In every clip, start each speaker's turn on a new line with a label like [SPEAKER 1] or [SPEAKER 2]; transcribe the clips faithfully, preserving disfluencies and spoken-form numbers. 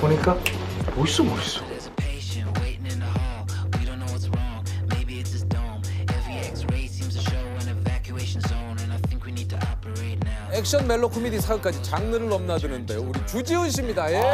[SPEAKER 1] 보니까 멋있어 멋있어.
[SPEAKER 2] There's a patient waiting in the hall. We don't know what's wrong. Maybe it's his dome. Every X-ray seems to show an evacuation zone, and I think we need to operate now.
[SPEAKER 3] 액션 멜로 코미디 사극까지 장르를 넘나드는 배우 우리 주지훈 씨입니다. 예.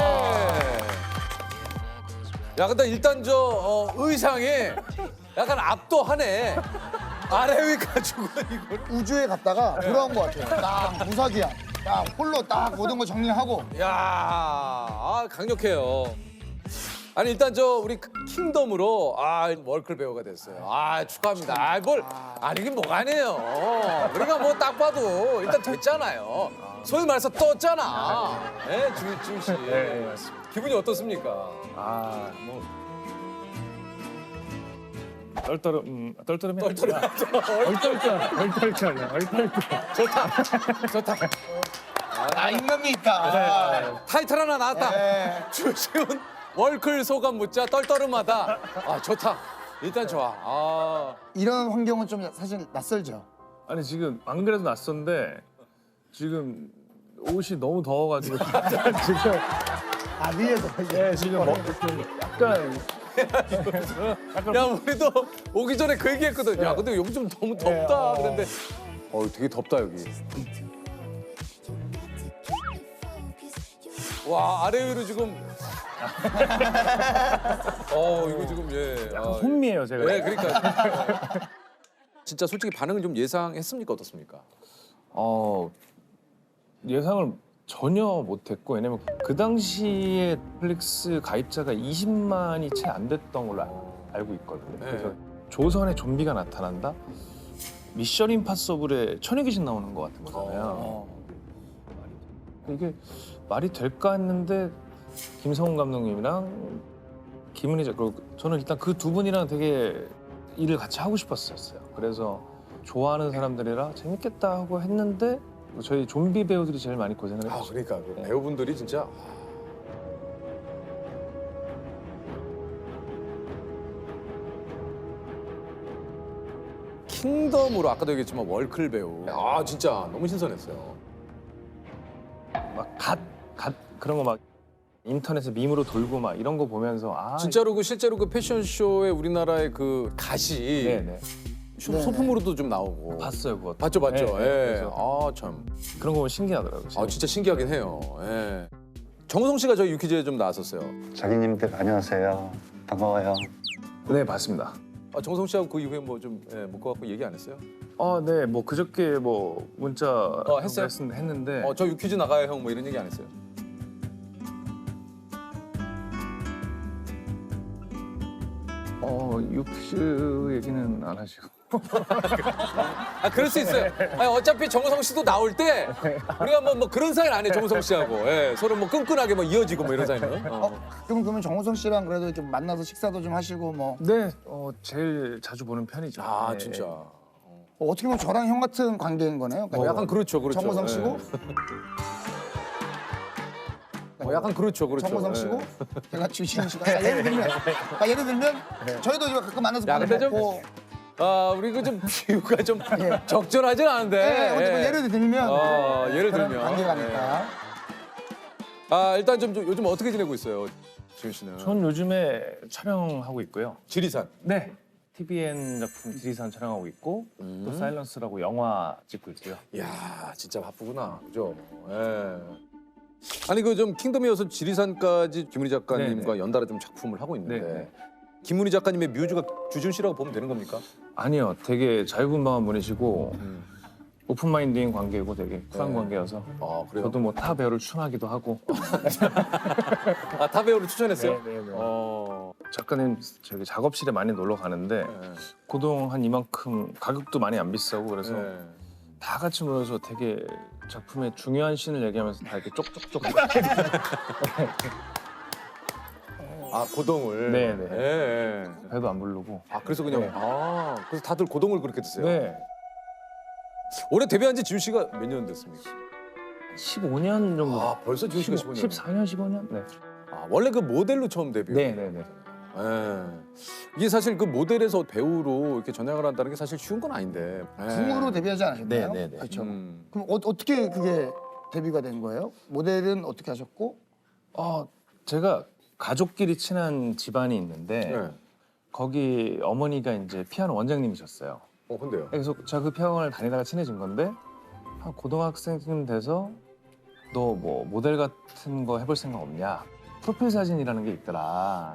[SPEAKER 3] 야 근데 일단 저 어, 의상이 약간 압도하네. 아래 위 가지고 이걸.
[SPEAKER 4] 우주에 갔다가 돌아온 것 같아요. 딱 무사기야. 딱 홀로 딱 모든 거 정리하고.
[SPEAKER 3] 야, 아, 강력해요. 아니 일단 저 우리 킹덤으로 아 월클 배우가 됐어요. 아 축하합니다. 아 뭘 아니긴 뭐가 아니에요. 우리가 뭐 딱 봐도 일단 됐잖아요. 소위 말해서 떴잖아. 예, 주 지훈 씨.
[SPEAKER 1] 네, 맞습니다.
[SPEAKER 3] 기분이 어떻습니까?
[SPEAKER 1] 아, 뭐 떨떠름, 음, 떨떠름해.
[SPEAKER 3] 떨떠름.
[SPEAKER 1] 얼떨떨, 얼떨떨, 얼떨떨.
[SPEAKER 3] 좋다, 좋다.
[SPEAKER 4] 아, 인간미 있다.
[SPEAKER 3] 타이틀 하나 나왔다.
[SPEAKER 4] 네.
[SPEAKER 3] 주지훈 월클 소감 묻자 떨떠름하다. 아 좋다. 일단 좋아. 아.
[SPEAKER 4] 이런 환경은 좀 사실 낯설죠.
[SPEAKER 1] 아니 지금 안 그래도 낯선데 지금 옷이 너무 더워가지고 지금
[SPEAKER 4] 아, 위에서.
[SPEAKER 1] 예 지금 뭐 좀 약간
[SPEAKER 3] 야 우리도 오기 전에 그 얘기했거든. 야 근데 여기 좀 너무 덥다. 그런데 어 되게 덥다 여기. 와 아래 위로 지금. 어 이거 지금 예.
[SPEAKER 1] 약간
[SPEAKER 3] 아,
[SPEAKER 1] 혼미해요 제가.
[SPEAKER 3] 예 그러니까. 진짜 솔직히 반응을 좀 예상했습니까 어떻습니까?
[SPEAKER 1] 어 예상을 전혀 못했고 왜냐면 그 당시에 넷플릭스 가입자가 이십만이 채 안 됐던 걸로 알- 알고 있거든요.
[SPEAKER 3] 네.
[SPEAKER 1] 그래서 조선에 좀비가 나타난다? 미션 임파서블에 천여 귀신 나오는 것 같은 거잖아요.
[SPEAKER 3] 어.
[SPEAKER 1] 이게 말이 될까 했는데 김성훈 감독님이랑 김은희 작 그리고 저는 일단 그 두 분이랑 되게 일을 같이 하고 싶었었어요. 그래서 좋아하는 사람들이라 재밌겠다 하고 했는데 저희 좀비 배우들이 제일 많이 고생을
[SPEAKER 3] 아
[SPEAKER 1] 했죠.
[SPEAKER 3] 그러니까 그 배우분들이 진짜. 킹덤으로 아까도 얘기했지만 월클 배우. 아 진짜 너무 신선했어요.
[SPEAKER 1] 막 갓, 갓 그런 거 막 인터넷에 밈으로 돌고 막 이런 거 보면서 아
[SPEAKER 3] 진짜로 그 실제로 그 패션쇼에 우리나라의 그 갓이
[SPEAKER 1] 네네
[SPEAKER 3] 쇼-
[SPEAKER 4] 네네.
[SPEAKER 3] 소품으로도 좀 나오고.
[SPEAKER 1] 봤어요 그거.
[SPEAKER 3] 봤죠 봤죠.
[SPEAKER 1] 네, 네.
[SPEAKER 3] 예.
[SPEAKER 1] 그래서
[SPEAKER 3] 아 참.
[SPEAKER 1] 그런 거 보면 신기하더라고요.
[SPEAKER 3] 아 진짜 신기하긴 해요. 예. 정우성 씨가 저희 유퀴즈에 좀 나왔었어요.
[SPEAKER 5] 자기님들 안녕하세요. 반가워요.
[SPEAKER 1] 네 봤습니다.
[SPEAKER 3] 아, 정우성 씨하고 그 이후에 뭐 좀 예, 묶어갖고 얘기 안 했어요?
[SPEAKER 1] 아 네 뭐 그저께 뭐 문자
[SPEAKER 3] 했어요?
[SPEAKER 1] 했, 했는데
[SPEAKER 3] 어 저 유퀴즈 나가요 형 뭐 이런 얘기 안 했어요?
[SPEAKER 1] 어 육스 얘기는 안 하시고
[SPEAKER 3] 아 그럴 수 있어요. 아니, 어차피 정우성 씨도 나올 때 우리가 뭐, 뭐 그런 사이는 안 해. 정우성 씨하고 예, 서로 뭐 끈끈하게 뭐 이어지고 뭐 이런 사이는. 어.
[SPEAKER 4] 어, 그럼 그러면 정우성 씨랑 그래도 이렇게 만나서 식사도 좀 하시고 뭐
[SPEAKER 1] 네 어, 제일 자주 보는 편이죠.
[SPEAKER 3] 아
[SPEAKER 1] 네.
[SPEAKER 3] 진짜.
[SPEAKER 4] 어, 어떻게 보면 저랑 형 같은 관계인 거네요.
[SPEAKER 3] 뭐 약간 그렇죠, 그렇죠.
[SPEAKER 4] 정우성
[SPEAKER 3] 예.
[SPEAKER 4] 씨고
[SPEAKER 3] 뭐 약간 그렇죠, 그렇죠.
[SPEAKER 4] 정우성
[SPEAKER 3] 예.
[SPEAKER 4] 씨고 제가 주시은 씨가 아, 예를 들면 아, 예를 들면 저희도 이거 가끔 만나서
[SPEAKER 3] 야,
[SPEAKER 4] 밥
[SPEAKER 3] 근데 좀-
[SPEAKER 4] 먹고
[SPEAKER 3] 아 우리 그 좀 비유가 좀 적절하진 않은데.
[SPEAKER 4] 예, 어쨌든
[SPEAKER 3] 예.
[SPEAKER 4] 예를 들면
[SPEAKER 3] 어, 예를
[SPEAKER 4] 그런
[SPEAKER 3] 들면.
[SPEAKER 4] 관계가니까
[SPEAKER 3] 아 일단 좀, 좀 요즘 어떻게 지내고 있어요, 지훈 씨는?
[SPEAKER 1] 전 요즘에 촬영하고 있고요.
[SPEAKER 3] 지리산.
[SPEAKER 1] 네. 티비엔 작품 지리산 촬영하고 있고
[SPEAKER 3] 음.
[SPEAKER 1] 또 사일런스라고 영화 찍고 있고요.
[SPEAKER 3] 이야 진짜 바쁘구나, 그죠? 예. 아니 그 좀 킹덤이어서 지리산까지 김은희 작가님과
[SPEAKER 1] 네네.
[SPEAKER 3] 연달아 좀 작품을 하고 있는데
[SPEAKER 1] 네네.
[SPEAKER 3] 김은희 작가님의 뮤즈가 주준 씨라고 보면 되는 겁니까?
[SPEAKER 1] 아니요, 되게 자유분방한 분이시고 오픈마인드인 관계고 되게 쿨한
[SPEAKER 3] 네.
[SPEAKER 1] 관계여서
[SPEAKER 3] 아 그래요?
[SPEAKER 1] 저도 뭐 타 배우를 추천하기도 하고
[SPEAKER 3] 아 타 배우를 추천했어요?
[SPEAKER 1] 네, 네, 네.
[SPEAKER 3] 어.
[SPEAKER 1] 작가님 저기 작업실에 많이 놀러 가는데
[SPEAKER 3] 네.
[SPEAKER 1] 고동 한 이만큼 가격도 많이 안 비싸고 그래서
[SPEAKER 3] 네.
[SPEAKER 1] 다 같이 모여서 되게 작품의 중요한 씬을 얘기하면서 다 이렇게 쪽쪽쪽
[SPEAKER 3] 아 고동을.
[SPEAKER 1] 네네.
[SPEAKER 3] 예, 예.
[SPEAKER 1] 배도 안 부르고
[SPEAKER 3] 아 그래서 그냥
[SPEAKER 1] 네.
[SPEAKER 3] 아 그래서 다들 고동을 그렇게 드세요?
[SPEAKER 1] 네
[SPEAKER 3] 올해 데뷔한 지 지훈 씨가 몇 년 됐습니까?
[SPEAKER 1] 십오 년 정도
[SPEAKER 3] 아 벌써 지훈 씨가 십오 년.
[SPEAKER 1] 십사 년 십오 년 네.
[SPEAKER 3] 아 원래 그 모델로 처음 데뷔.
[SPEAKER 1] 네네네
[SPEAKER 3] 예. 이게 사실 그 모델에서 배우로 이렇게 전향을 한다는 게 사실 쉬운 건 아닌데. 예.
[SPEAKER 4] 궁으로 데뷔하지 않으셨나요?
[SPEAKER 1] 네, 네, 네.
[SPEAKER 4] 그렇죠.
[SPEAKER 3] 음.
[SPEAKER 4] 그럼 어, 어떻게 그게 데뷔가 된 거예요? 모델은 어떻게 하셨고?
[SPEAKER 1] 어, 제가 가족끼리 친한 집안이 있는데
[SPEAKER 3] 네.
[SPEAKER 1] 거기 어머니가 이제 피아노 원장님이셨어요.
[SPEAKER 3] 어 근데요.
[SPEAKER 1] 그래서 제가 그 피아노를 다니다가 친해진 건데 한 고등학생쯤 돼서 너 뭐 모델 같은 거 해볼 생각 없냐? 프로필 사진이라는 게 있더라.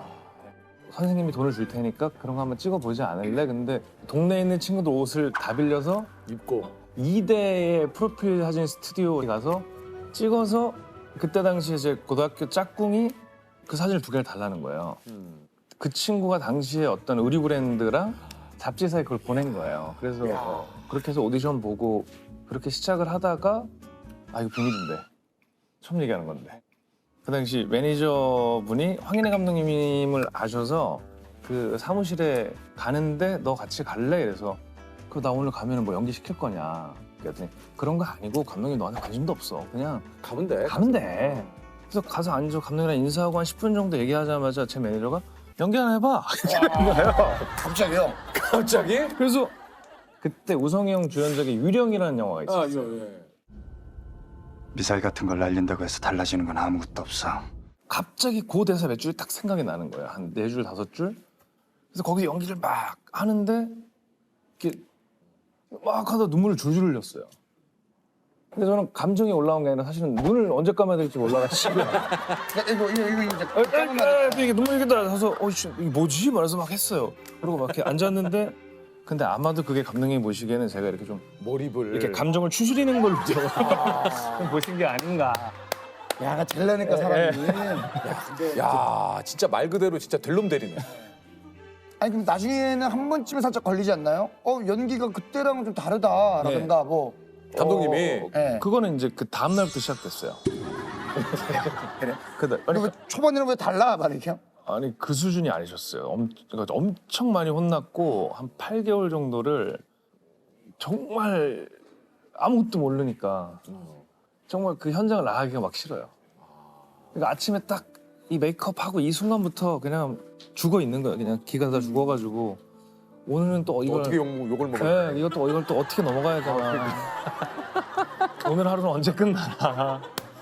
[SPEAKER 1] 선생님이 돈을 줄 테니까 그런 거 한번 찍어보지 않을래? 근데 동네에 있는 친구들 옷을 다 빌려서
[SPEAKER 3] 입고.
[SPEAKER 1] 이 대의 프로필 사진 스튜디오에 가서 찍어서 그때 당시에 제 고등학교 짝꿍이 그 사진을 두 개를 달라는 거예요.
[SPEAKER 3] 음.
[SPEAKER 1] 그 친구가 당시에 어떤 의류 브랜드랑 잡지사에 그걸 보낸 거예요. 그래서 어, 그렇게 해서 오디션 보고 그렇게 시작을 하다가 아 이거 비밀인데 처음 얘기하는 건데 그 당시 매니저분이 황인혜 감독님을 아셔서 그 사무실에 가는데 너 같이 갈래? 그래서 그 나 오늘 가면 뭐 연기 시킬 거냐 그랬더니 그런 거 아니고 감독님 너한테 관심도 없어 그냥
[SPEAKER 3] 가면 돼.
[SPEAKER 1] 가면 돼. 그래서 가서 앉아 감독님이랑 인사하고 한 십 분 정도 얘기하자마자 제 매니저가 연기 하나 해봐 이렇게 하는 거예요.
[SPEAKER 4] 갑자기요?
[SPEAKER 3] 갑자기?
[SPEAKER 1] 그래서 그때 우성이 형 주연작의 유령이라는 영화가 있었어요.
[SPEAKER 3] 아 이거 예.
[SPEAKER 5] 미사일 같은 걸 날린다고 해서 달라지는 건 아무것도 없어.
[SPEAKER 1] 갑자기 그 대사 몇 줄이 딱 생각이 나는 거예요. 한 네 줄 다섯 줄. 그래서 거기서 연기를 막 하는데 이렇게 막 하다 눈물을 줄줄 흘렸어요. 근데 저는 감정이 올라온 게 아니라 사실은 눈을 언제 감아야 될지 몰라가지고
[SPEAKER 4] 이거 이거 이거 이제
[SPEAKER 1] 아, 아, 아, 이게 눈물이 이렇게 나서 어, 씨, 이게 뭐지? 말해서 막 했어요. 그리고 막 이렇게 앉았는데 근데 아마도 그게 감독님 보시기에는 제가 이렇게 좀
[SPEAKER 3] 몰입을.
[SPEAKER 1] 이렇게 감정을 추스리는 걸로 좀 보신 게 아닌가.
[SPEAKER 4] 야가 잘나니까 사람이.
[SPEAKER 3] 야 진짜 말 그대로 진짜 될놈 대리네.
[SPEAKER 4] 아니 그럼 나중에는 한 번쯤은 살짝 걸리지 않나요? 어 연기가 그때랑은 좀 다르다라든가 뭐.
[SPEAKER 3] 감독님이
[SPEAKER 1] 어,
[SPEAKER 4] 네.
[SPEAKER 1] 그거는 이제 그 다음 날부터 시작됐어요.
[SPEAKER 4] 그래?
[SPEAKER 1] 그다
[SPEAKER 4] 근데
[SPEAKER 1] 그러니까
[SPEAKER 4] 왜 초반에는 왜 달라 말이야?
[SPEAKER 1] 아니 그 수준이 아니셨어요. 엄, 그러니까 엄청 많이 혼났고 한 팔 개월 정도를 정말 아무것도 모르니까 정말 그 현장을 나가기가 막 싫어요. 그러니까 아침에 딱 이 메이크업하고 이 순간부터 그냥 죽어 있는 거예요. 그냥 기가 다 죽어가지고 오늘은 또 이걸
[SPEAKER 3] 어떻게 욕, 욕을 먹을까?
[SPEAKER 1] 네, 이것도 이걸 또 어떻게 넘어가야 되나. 오늘 하루는 언제 끝나나.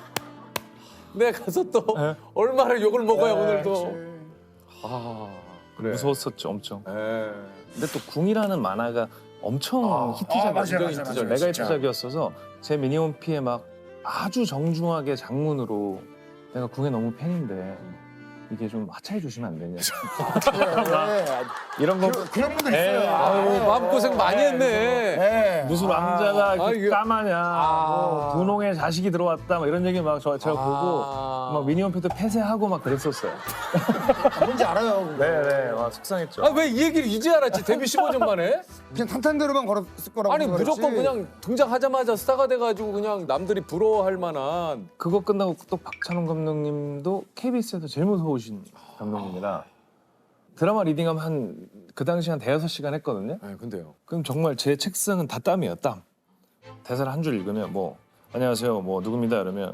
[SPEAKER 3] 내가 가서 또
[SPEAKER 1] 네.
[SPEAKER 3] 얼마나 욕을 먹어야
[SPEAKER 1] 네,
[SPEAKER 3] 오늘도. 아 그래.
[SPEAKER 1] 무서웠었죠, 엄청.
[SPEAKER 3] 예.
[SPEAKER 1] 근데 또 궁이라는 만화가 엄청
[SPEAKER 3] 아,
[SPEAKER 1] 히트작,
[SPEAKER 4] 아, 맞아요,
[SPEAKER 1] 굉장히
[SPEAKER 4] 맞아요,
[SPEAKER 1] 히트작,
[SPEAKER 4] 맞아요,
[SPEAKER 1] 메가
[SPEAKER 4] 진짜.
[SPEAKER 1] 히트작이었어서 제 미니홈피에 막 아주 정중하게 장문으로 내가 궁에 너무 팬인데 이게 좀 하차해 주시면 안 되냐.
[SPEAKER 4] 네.
[SPEAKER 1] 이런 거
[SPEAKER 4] 그런, 그런 분들
[SPEAKER 1] 네.
[SPEAKER 4] 있어요.
[SPEAKER 3] 아유 마음고생 많이 했네.
[SPEAKER 4] 네.
[SPEAKER 1] 무슨 왕자가
[SPEAKER 3] 아,
[SPEAKER 1] 이렇게
[SPEAKER 3] 이게-
[SPEAKER 1] 까마냐,
[SPEAKER 3] 아.
[SPEAKER 1] 뭐 분홍의 자식이 들어왔다, 막 이런 얘기 막 저, 제가
[SPEAKER 3] 아.
[SPEAKER 1] 보고 막 미니홈피도 폐쇄하고 막 그랬었어요.
[SPEAKER 4] 뭔지 알아요. 그거.
[SPEAKER 1] 네네, 막 속상했죠.
[SPEAKER 3] 아 왜 이 얘기를 이제 알았지? 데뷔 십오 년 만에?
[SPEAKER 4] 그냥 탄탄대로만 걸었을 거라고
[SPEAKER 3] 아니
[SPEAKER 4] 생각했지.
[SPEAKER 3] 무조건 그냥 등장하자마자 스타가 돼가지고 그냥 남들이 부러워할 만한.
[SPEAKER 1] 그거 끝나고 또 박찬호 감독님도 케이비에스에서 제일 무서우신 감독님이라 드라마 리딩하면 한 그 당시 한 대여섯 시간 했거든요.
[SPEAKER 3] 아 근데요.
[SPEAKER 1] 그럼 정말 제 책상은 다 땀이에요, 땀. 대사를 한 줄 읽으면 뭐 안녕하세요, 뭐 누굽니다 이러면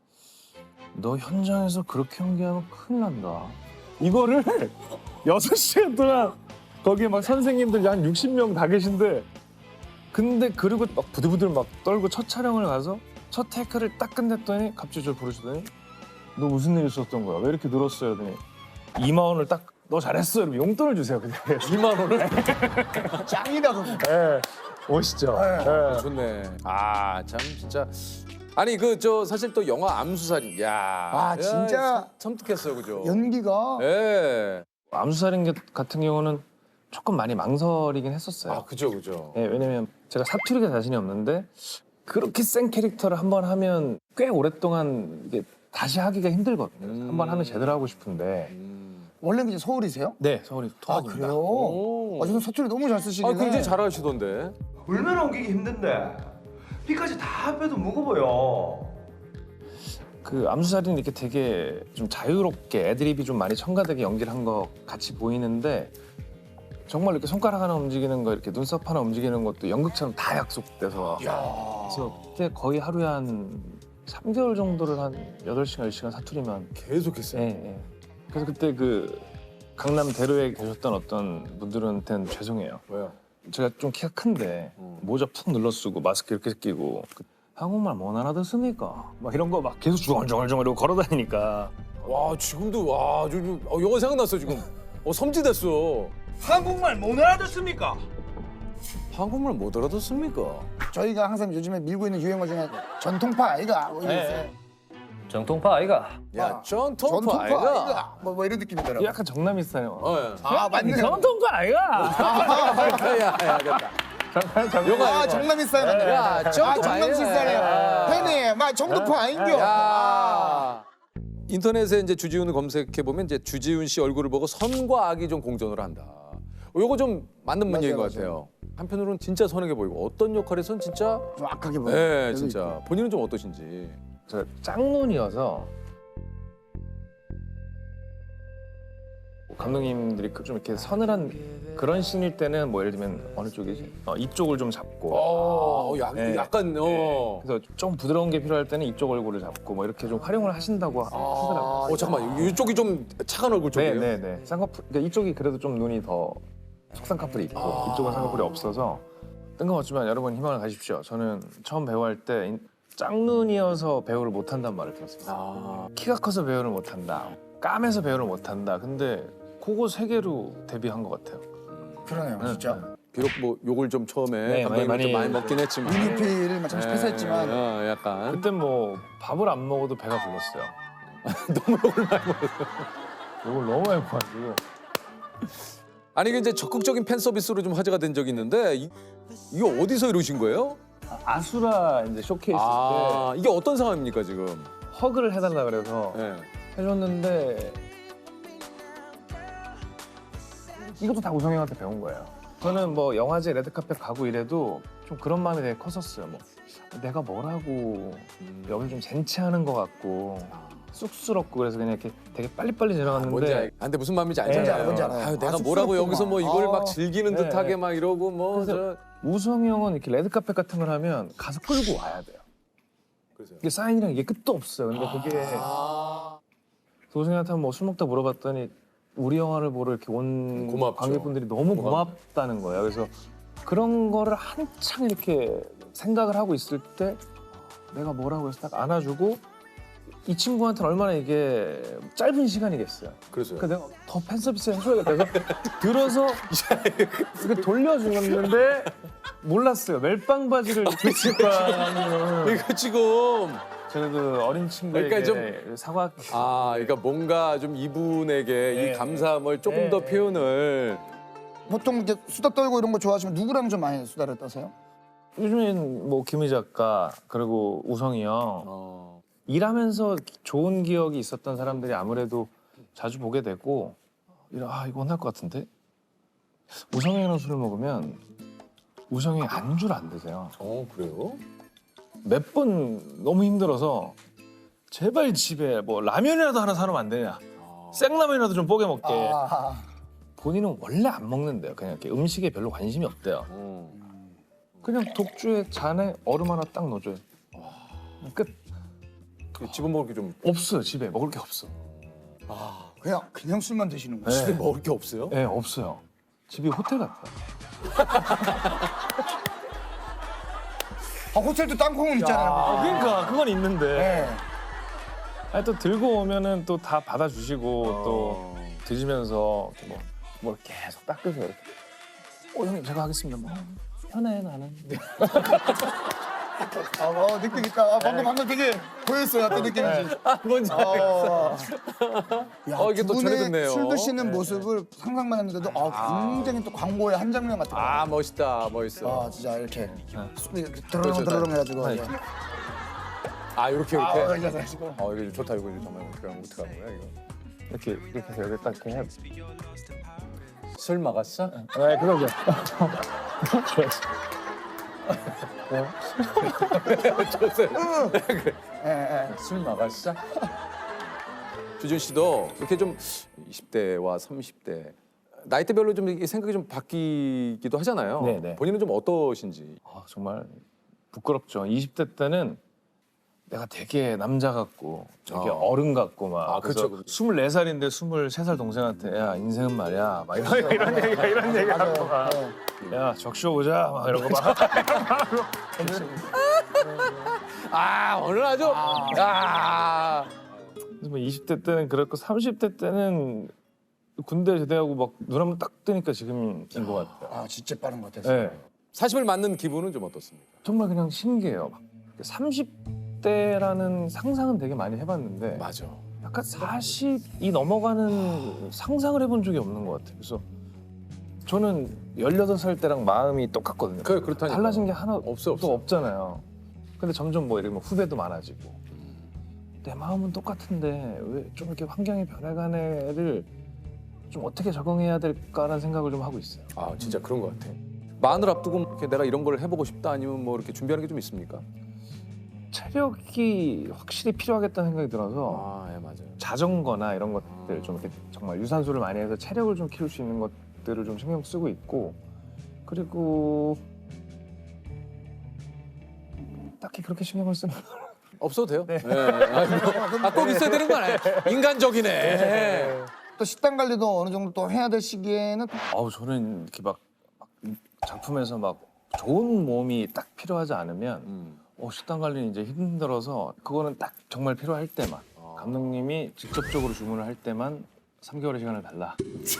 [SPEAKER 1] 너 현장에서 그렇게 연기하면 큰일 난다. 이거를 여섯 시간 동안 거기에 막 선생님들 한 육십 명 다 계신데 근데 그리고 막 부들부들 막 떨고 첫 촬영을 가서 첫 테이크를 딱 끝냈더니 갑자기 저를 부르시더니 너 무슨 일 있었던 거야? 왜 이렇게 늘었어요? 그러더니 이만 원을 딱 너 잘했어. 이러면 용돈을 주세요. 그냥.
[SPEAKER 3] 이만 원을?
[SPEAKER 4] 짱이다 그거.
[SPEAKER 1] 예. 멋있죠. 예.
[SPEAKER 3] 좋네. 아 참 진짜. 아니 그 저 사실 또 영화 암수살인. 야.
[SPEAKER 4] 아, 진짜.
[SPEAKER 3] 야, 섬뜩했어요, 그죠?
[SPEAKER 4] 연기가
[SPEAKER 3] 예.
[SPEAKER 1] 암수살인 같은 경우는 조금 많이 망설이긴 했었어요.
[SPEAKER 3] 아 그죠 그죠.
[SPEAKER 1] 예, 왜냐면 제가 사투리가 자신이 없는데 그렇게 센 캐릭터를 한 번 하면 꽤 오랫동안 이게 다시 하기가 힘들거든요.
[SPEAKER 3] 음.
[SPEAKER 1] 한 번 하면 제대로 하고 싶은데.
[SPEAKER 3] 음.
[SPEAKER 4] 원래는 이제 서울이세요?
[SPEAKER 1] 네, 서울이
[SPEAKER 4] 아
[SPEAKER 1] 토박입니다.
[SPEAKER 4] 그래요?
[SPEAKER 3] 오.
[SPEAKER 4] 아 저는 사투리 너무 잘 쓰시긴
[SPEAKER 3] 아
[SPEAKER 4] 해.
[SPEAKER 3] 굉장히 잘하시던데.
[SPEAKER 6] 얼마나 옮기기 힘든데 피까지 다 빼도 무거워요.
[SPEAKER 1] 그 암수살인 이렇게 되게 좀 자유롭게 애드립이 좀 많이 첨가되게 연기를 한 거 같이 보이는데 정말 이렇게 손가락 하나 움직이는 거 이렇게 눈썹 하나 움직이는 것도 연극처럼 다 약속돼서 그래서 그때 거의 하루에 한 삼 개월 정도를 한 여덟 시간, 열 시간 사투리만
[SPEAKER 3] 계속했어요.
[SPEAKER 1] 예, 예. 그래서 그때 그 강남 대로에 계셨던 어떤 분들한테는 죄송해요.
[SPEAKER 3] 왜요?
[SPEAKER 1] 제가 좀 키가 큰데
[SPEAKER 3] 음.
[SPEAKER 1] 모자 푹 눌러 쓰고 마스크 이렇게 끼고 그 한국말 못 알아듣습니까? 막 이런 거 막 계속 중얼중얼중얼 이러고 걸어 다니니까
[SPEAKER 3] 와 지금도 와 지금 어, 영화 생각났어 지금. 어 섬지됐어.
[SPEAKER 6] 한국말 못 알아듣습니까?
[SPEAKER 3] 한국말 못 알아듣습니까?
[SPEAKER 4] 저희가 항상 요즘에 밀고 있는 유행어 중에 전통파 아이가 뭐 이런 거 있어요.
[SPEAKER 7] 정통파 아이가.
[SPEAKER 3] 야 전통파
[SPEAKER 4] 전통파
[SPEAKER 3] 아이가.
[SPEAKER 4] 아이가 뭐, 뭐 이런 느낌이더라고요.
[SPEAKER 1] 약간 정남 스타일.
[SPEAKER 3] 어, 예.
[SPEAKER 4] 아 맞네요.
[SPEAKER 1] 정통파 아이가.
[SPEAKER 3] 야야 됐다.
[SPEAKER 1] 요거
[SPEAKER 4] 아 정남이 스타일 맞네요.
[SPEAKER 3] 야,
[SPEAKER 4] 아
[SPEAKER 3] 전통파
[SPEAKER 4] 정남이
[SPEAKER 3] 아이가.
[SPEAKER 4] 스타일이에요. 팬이 막 정통파 아인겨.
[SPEAKER 3] 야. 인터넷에 이제 주지훈을 검색해 보면 이제 주지훈 씨 얼굴을 보고 선과 악이 좀 공존을 한다. 요거 좀 맞는
[SPEAKER 4] 맞아요,
[SPEAKER 3] 문제인 것
[SPEAKER 4] 맞아요.
[SPEAKER 3] 같아요. 한편으로는 진짜 선하게 보이고 어떤 역할에서는 진짜
[SPEAKER 4] 좀 악하게 보여.
[SPEAKER 3] 네 진짜 본인은 좀 어떠신지.
[SPEAKER 1] 제가 짝눈이어서 감독님들이 그 좀 이렇게 서늘한 그런 씬일 때는 뭐 예를 들면 어느 쪽이지? 어, 이쪽을 좀 잡고
[SPEAKER 3] 어, 약,
[SPEAKER 1] 네.
[SPEAKER 3] 약간 어.
[SPEAKER 1] 그래서 좀 부드러운 게 필요할 때는 이쪽 얼굴을 잡고 뭐 이렇게 좀 활용을 하신다고 하더라고요.
[SPEAKER 3] 어 잠깐만 이쪽이 좀 차가운 얼굴 쪽이에요.
[SPEAKER 1] 네네네. 쌍꺼풀 그러니까 이쪽이 그래도 좀 눈이 더 속쌍꺼풀이 있고 이쪽은 쌍꺼풀이 없어서 뜬금없지만 여러분 희망을 가십시오. 저는 처음 배우할 때 짝눈이어서 배우를 못한다는 말을 들었습니다.
[SPEAKER 3] 아.
[SPEAKER 1] 키가 커서 배우를 못한다. 까매서 배우를 못한다. 근데 그거 세 개로 데뷔한 것 같아요.
[SPEAKER 4] 그러네요, 진짜.
[SPEAKER 3] 비록 뭐 욕을 좀 처음에
[SPEAKER 1] 네,
[SPEAKER 3] 감독님이
[SPEAKER 1] 많이-
[SPEAKER 3] 좀 많이 먹긴 했지만.
[SPEAKER 4] 유니피를 잠시
[SPEAKER 3] 네,
[SPEAKER 4] 패스했지만
[SPEAKER 3] 어, 약간
[SPEAKER 1] 그때 뭐 밥을 안 먹어도 배가 불렀어요.
[SPEAKER 3] 너무 욕을 많이 먹었어요.
[SPEAKER 1] 이걸 너무 많이 먹어가지고.
[SPEAKER 3] 아니 이게 이제 적극적인 팬 서비스로 좀 화제가 된 적이 있는데 이, 이거 어디서 이루신 거예요?
[SPEAKER 1] 아수라 이제 쇼케이스
[SPEAKER 3] 아 이게 어떤 상황입니까 지금?
[SPEAKER 1] 때 허그를 해달라 그래서
[SPEAKER 3] 네.
[SPEAKER 1] 해줬는데 이것도 다 우성이 형한테 배운 거예요. 저는 뭐 영화제 레드카펫 가고 이래도 좀 그런 마음이 되게 컸었어요. 뭐 내가 뭐라고 여기 좀 젠치하는 것 같고 쑥스럽고 그래서 그냥 이렇게 되게 빨리빨리 지나갔는데
[SPEAKER 3] 뭔지 알. 아, 근데 무슨 마음인지
[SPEAKER 1] 네,
[SPEAKER 3] 알잖아요.
[SPEAKER 4] 뭔지 알아요.
[SPEAKER 3] 아유, 내가
[SPEAKER 4] 아,
[SPEAKER 3] 뭐라고
[SPEAKER 4] 쑥스럽구나.
[SPEAKER 3] 여기서 뭐 이걸
[SPEAKER 4] 아.
[SPEAKER 3] 막 즐기는
[SPEAKER 1] 네,
[SPEAKER 3] 듯하게
[SPEAKER 1] 네.
[SPEAKER 3] 막 이러고 뭐
[SPEAKER 1] 그래서
[SPEAKER 3] 저.
[SPEAKER 1] 우성이 형은 이렇게 레드카펫 같은 걸 하면 가서 끌고 와야 돼요.
[SPEAKER 3] 그래서요?
[SPEAKER 1] 이게 사인이랑 이게 끝도 없어요. 근데 그게
[SPEAKER 3] 아.
[SPEAKER 1] 우성이한테 뭐 술 먹다 물어봤더니 우리 영화를 보러 이렇게 온
[SPEAKER 3] 고맙죠.
[SPEAKER 1] 관객분들이 너무 고맙다는 거예요. 그래서 그런 거를 한창 이렇게 생각을 하고 있을 때 내가 뭐라고 해서 딱 안아주고 이 친구한테는 얼마나 이게 짧은 시간이겠어요.
[SPEAKER 3] 그래서요?
[SPEAKER 1] 그러니까 내가 더 팬 서비스 해줘야겠다 해서 들어서 이렇게 돌려주는데 몰랐어요. 멜빵 바지를 입고 있을 거라는.
[SPEAKER 3] 이거 지금
[SPEAKER 1] 제가 그 어린 친구에게
[SPEAKER 3] 그러니까
[SPEAKER 1] 사과.
[SPEAKER 3] 아 그러니까 뭔가 좀 이분에게
[SPEAKER 1] 네.
[SPEAKER 3] 이 감사함을 조금
[SPEAKER 1] 네.
[SPEAKER 3] 더 표현을
[SPEAKER 4] 보통 이렇게 수다 떨고 이런 거 좋아하시면 누구랑 좀 많이 수다를 떠세요?
[SPEAKER 1] 요즘엔 뭐 김희 작가 그리고 우성이 형
[SPEAKER 3] 어.
[SPEAKER 1] 일하면서 좋은 기억이 있었던 사람들이 아무래도 자주 보게 되고 이러 아 이거 혼날 것 같은데 우성이 형이랑 술을 먹으면 우성이 형이 안주를 안 드세요.
[SPEAKER 3] 어 그래요?
[SPEAKER 1] 몇 번 너무 힘들어서 제발 집에 뭐 라면이라도 하나 사놓으면 안 되냐. 생라면이라도 좀 뽀개 먹게.
[SPEAKER 4] 아,
[SPEAKER 1] 본인은 원래 안 먹는데요. 그냥 이렇게 음식에 별로 관심이 없대요.
[SPEAKER 3] 어.
[SPEAKER 1] 그냥 독주에 잔에 얼음 하나 딱 넣어줘요. 끝.
[SPEAKER 3] 집은 먹을 게 좀
[SPEAKER 1] 없어요. 집에 먹을 게 없어.
[SPEAKER 4] 그냥 그냥 술만 드시는 거예요.
[SPEAKER 1] 네.
[SPEAKER 3] 먹을 게 없어요?
[SPEAKER 1] 네, 없어요. 집이 호텔 같아요.
[SPEAKER 4] 아, 호텔도 땅콩은 있잖아요.
[SPEAKER 1] 그러니까 그건 있는데.
[SPEAKER 4] 네.
[SPEAKER 1] 아니, 또 들고 오면은 또 다 받아주시고
[SPEAKER 3] 어.
[SPEAKER 1] 또 드시면서 이렇게 뭐, 뭘 계속 닦으세요. 이렇게. 어 형님 제가 하겠습니다. 뭐 편해 나는.
[SPEAKER 4] 아, 어, 느낌 있다. 아, 방금 방금 되게 보였어요. 어떤 느낌인지.
[SPEAKER 3] 아 뭔지 알겠어.
[SPEAKER 4] 어, 야,
[SPEAKER 3] 어, 이게
[SPEAKER 4] 두
[SPEAKER 3] 또
[SPEAKER 4] 분의
[SPEAKER 3] 전해듣네요.
[SPEAKER 4] 술 드시는 모습을 상상만 했는데도 아, 굉장히 또 광고의 한 장면 같아요.
[SPEAKER 3] 아 멋있다 멋있어.
[SPEAKER 4] 아, 진짜 이렇게 술이 이렇게
[SPEAKER 3] 그렇죠.
[SPEAKER 4] 드르렁 드르렁 해가지고.
[SPEAKER 1] 아니,
[SPEAKER 4] 이제.
[SPEAKER 3] 아 이렇게
[SPEAKER 4] 아,
[SPEAKER 3] 이렇게.
[SPEAKER 4] 이제 해가지고.
[SPEAKER 3] 어 이거 좋다 이거 잠깐만 어떻게 하는 어떻게 하는 거야 이거.
[SPEAKER 1] 이렇게 이렇게 해서 여기 딱 이렇게 해.
[SPEAKER 3] 술 막았어?
[SPEAKER 1] 네 그러죠.
[SPEAKER 4] 예, 예.
[SPEAKER 3] 술 막았어? 주준 씨도 이렇게 좀 이십 대와 삼십 대 나이대별로 좀 이게 생각이 좀 바뀌기도 하잖아요.
[SPEAKER 1] 네, 네.
[SPEAKER 3] 본인은 좀 어떠신지.
[SPEAKER 1] 아, 정말 부끄럽죠. 이십 대 때는 내가 되게 남자 같고 되게
[SPEAKER 3] 어.
[SPEAKER 1] 어른 같고 막
[SPEAKER 3] 아,
[SPEAKER 1] 그래서
[SPEAKER 3] 그렇죠, 그렇죠.
[SPEAKER 1] 스물네 살인데 스물세 살 동생한테 야 인생은 말이야 막 이런 이런 얘기가 이런 얘기 하고 막
[SPEAKER 4] 네.
[SPEAKER 1] 야 적쇼 보자 막 이러고 막
[SPEAKER 3] 아 오늘 아주 아.
[SPEAKER 1] 그래서 뭐 이십 대 때는 그랬고 삼십 대 때는 군대 제대하고 막 눈 한번 딱 뜨니까 지금인 것 같아요.
[SPEAKER 4] 아 진짜 빠른 것 같아서.
[SPEAKER 1] 네.
[SPEAKER 3] 사십을 맞는 기분은 좀 어떻습니까?
[SPEAKER 1] 정말 그냥 신기해요. 막 삼십 대라는 상상은 되게 많이 해봤는데
[SPEAKER 3] 맞아.
[SPEAKER 1] 약간 사십이 넘어가는 상상을 해본 적이 없는 것 같아요. 그래서 저는 열여덟 살 때랑 마음이 똑같거든요.
[SPEAKER 3] 그 그렇다니까.
[SPEAKER 1] 달라진 게 하나
[SPEAKER 3] 없어, 없어.
[SPEAKER 1] 또 없잖아요. 근데 점점 뭐 이렇게 뭐 후배도 많아지고 내 마음은 똑같은데 왜 좀 이렇게 환경이 변해가네를 좀 어떻게 적응해야 될까라는 생각을 좀 하고 있어요.
[SPEAKER 3] 아 진짜 그런 것 같아. 마흔을 앞두고 이렇게 내가 이런 걸 해보고 싶다 아니면 뭐 이렇게 준비하는 게 좀 있습니까?
[SPEAKER 1] 체력이 확실히 필요하겠다는 생각이 들어서
[SPEAKER 3] 아, 예 맞아요.
[SPEAKER 1] 자전거나 이런 것들 좀 이렇게 정말 유산소를 많이 해서 체력을 좀 키울 수 있는 것들을 좀 신경 쓰고 있고 그리고 딱히 그렇게 신경을 쓰는 건
[SPEAKER 3] 없어도 돼요.
[SPEAKER 1] 네.
[SPEAKER 3] 예. 아, 뭐, 아, 꼭 있어야 되는 거 아니에요? 인간적이네.
[SPEAKER 4] 또 식단 관리도 어느 정도 또 해야 될 시기에는
[SPEAKER 1] 아우 저는 이렇게 막, 막 작품에서 막 좋은 몸이 딱 필요하지 않으면
[SPEAKER 3] 음.
[SPEAKER 1] 어, 식단 관리는 이제 힘들어서 그거는 딱 정말 필요할 때만 감독님이 직접적으로 주문을 할 때만 삼 개월의 시간을 달라.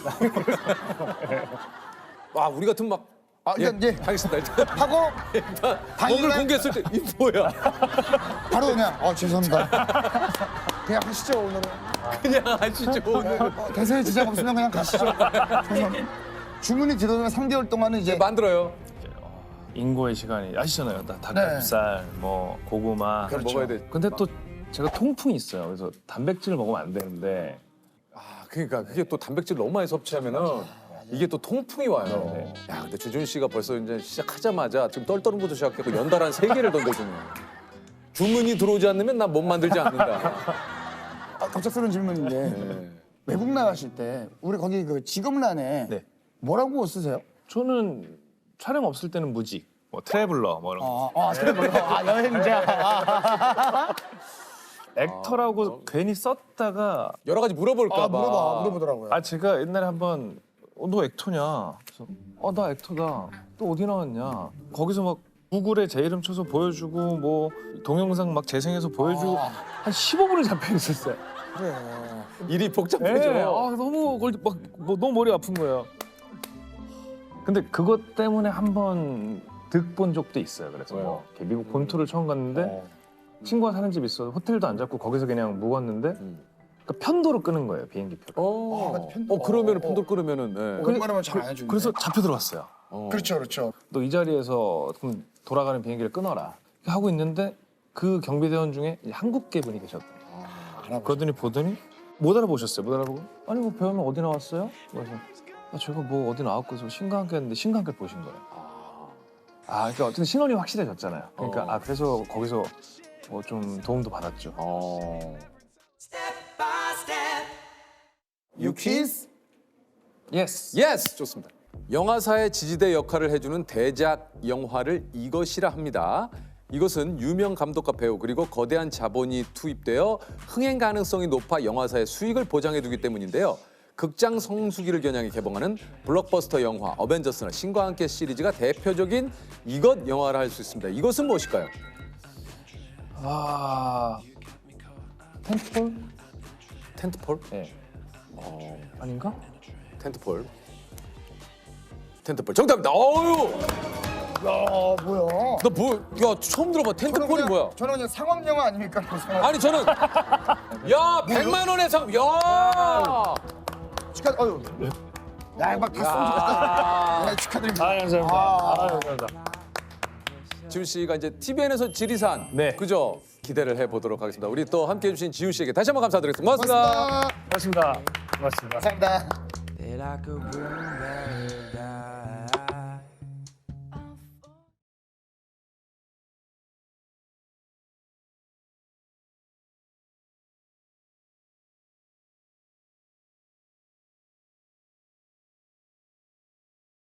[SPEAKER 3] 와 우리 같은 막
[SPEAKER 4] 아
[SPEAKER 3] 예,
[SPEAKER 4] 일단 예,
[SPEAKER 3] 하겠습니다. 일단
[SPEAKER 4] 하고
[SPEAKER 3] 몸을
[SPEAKER 4] 당일날
[SPEAKER 3] 공개했을 때 이 뭐야?
[SPEAKER 4] 바로 그냥 어 죄송합니다. 그냥 하시죠 오늘은.
[SPEAKER 3] 그냥 하시죠 오늘.
[SPEAKER 4] 어, 대세에 지장 없으면 그냥 가시죠. 죄송합니다. 주문이 들어오면 삼 개월 동안은 이제
[SPEAKER 3] 만들어요.
[SPEAKER 1] 인고의 시간이 아시잖아요. 다 닭가슴살, 뭐 고구마.
[SPEAKER 3] 그걸 먹어야 돼.
[SPEAKER 1] 근데 또 제가 통풍이 있어요. 그래서 단백질을 먹으면 안 되는데
[SPEAKER 3] 아 그러니까 그게 또 단백질 너무 많이 섭취하면은 이게 또 통풍이 와요.
[SPEAKER 1] 네.
[SPEAKER 3] 야 근데 주준 씨가 벌써 이제 시작하자마자 지금 떨떠름부터 시작했고 연달아 세 개를 던져주네요. 주문이 들어오지 않으면 난 못 만들지 않는다.
[SPEAKER 4] 아, 갑작스러운 질문인데
[SPEAKER 3] 네.
[SPEAKER 4] 외국 나가실 때 우리 거기 그 직업란에
[SPEAKER 1] 네.
[SPEAKER 4] 뭐라고 쓰세요?
[SPEAKER 1] 저는 촬영 없을 때는 무직, 뭐 트래블러 뭐 이런 거.
[SPEAKER 4] 아, 아 그래 뭐아 여행자.
[SPEAKER 1] 액터라고 괜히 썼다가
[SPEAKER 3] 여러 가지 물어볼까
[SPEAKER 4] 아
[SPEAKER 3] 봐.
[SPEAKER 4] 물어봐 물어보더라고요.
[SPEAKER 1] 아 제가 옛날에 한번 어, 너 액터냐? 그래서 어 나 액터다. 또 어디 나왔냐? 거기서 막 구글에 제 이름 쳐서 보여주고 뭐 동영상 막 재생해서 보여주고
[SPEAKER 4] 아.
[SPEAKER 1] 한 십오 분을 잡혀 있었어요.
[SPEAKER 4] 그래.
[SPEAKER 3] 일이
[SPEAKER 1] 네.
[SPEAKER 3] 복잡해져.
[SPEAKER 1] 아 너무 걸- 막 뭐, 너무 머리 아픈 거예요. 근데 그것 때문에 한 번 득 본 적도 있어요. 그래서
[SPEAKER 3] 왜요?
[SPEAKER 1] 뭐 이렇게 미국 본토를 처음 갔는데
[SPEAKER 3] 어.
[SPEAKER 1] 친구가 사는 집 있어. 호텔도 안 잡고 거기서 그냥 묵었는데
[SPEAKER 3] 음.
[SPEAKER 1] 그러니까 편도로 끄는 거예요 비행기 표를.
[SPEAKER 3] 어.
[SPEAKER 4] 아, 맞아, 편도.
[SPEAKER 3] 어 그러면
[SPEAKER 4] 어,
[SPEAKER 3] 편도
[SPEAKER 4] 어.
[SPEAKER 3] 끄르면은. 네.
[SPEAKER 4] 웬만하면 잘 안 해주는데.
[SPEAKER 1] 그래서 잡혀 들어왔어요.
[SPEAKER 3] 어.
[SPEAKER 4] 그렇죠 그렇죠.
[SPEAKER 1] 너 이 자리에서 그럼 돌아가는 비행기를 끊어라 하고 있는데 그 경비대원 중에 이제 한국계 분이 계셨다. 그러더니 보더니 못 알아보셨어요. 못 알아보고 아니 뭐 배우면 어디 나왔어요? 그래서 아, 제가 뭐 어디 나왔고 해서 신강계 했는데 신강계 보신 거예요. 아 그러니까 어쨌든 신원이 확실해졌잖아요. 그러니까
[SPEAKER 3] 어.
[SPEAKER 1] 아 그래서 거기서 뭐 좀 도움도 받았죠.
[SPEAKER 3] 어.
[SPEAKER 4] 유키스
[SPEAKER 1] 예스.
[SPEAKER 3] 예스 좋습니다. 영화사의 지지대 역할을 해주는 대작 영화를 이것이라 합니다. 이것은 유명 감독과 배우 그리고 거대한 자본이 투입되어 흥행 가능성이 높아 영화사의 수익을 보장해두기 때문인데요. 극장 성수기를 겨냥해 개봉하는 블록버스터 영화 어벤져스나 신과 함께 시리즈가 대표적인 이것 영화라 할 수 있습니다. 이것은 무엇일까요?
[SPEAKER 1] 아 텐트폴?
[SPEAKER 3] 텐트폴?
[SPEAKER 1] 네.
[SPEAKER 3] 어,
[SPEAKER 1] 아닌가?
[SPEAKER 3] 텐트폴. 텐트폴 정답입니다. 어유,
[SPEAKER 4] 야 뭐야?
[SPEAKER 3] 너 뭐? 야 처음 들어봐.
[SPEAKER 4] 저는
[SPEAKER 3] 텐트폴이
[SPEAKER 4] 그냥-
[SPEAKER 3] 뭐야?
[SPEAKER 4] 저는 그냥 상업 영화 아닙니까? 상업.
[SPEAKER 3] 아니 저는 야 백만 원의 상, 야,
[SPEAKER 4] 축하. 어유. 야막 박수 좀
[SPEAKER 3] 야.
[SPEAKER 4] 네, 축하드립니다.
[SPEAKER 1] 아 감사합니다.
[SPEAKER 4] 아.
[SPEAKER 1] 아 감사합니다.
[SPEAKER 3] 지훈 씨가 이제 티비엔에서 지리산,
[SPEAKER 1] 네.
[SPEAKER 3] 그죠? 기대를 해보도록 하겠습니다. 우리 또 함께해 주신 지훈 씨에게 다시 한번 감사드리겠습니다. 고맙습니다.
[SPEAKER 4] 고맙습니다.
[SPEAKER 1] 고맙습니다. 고맙습니다.
[SPEAKER 4] 감사합니다.
[SPEAKER 2] That I could bring back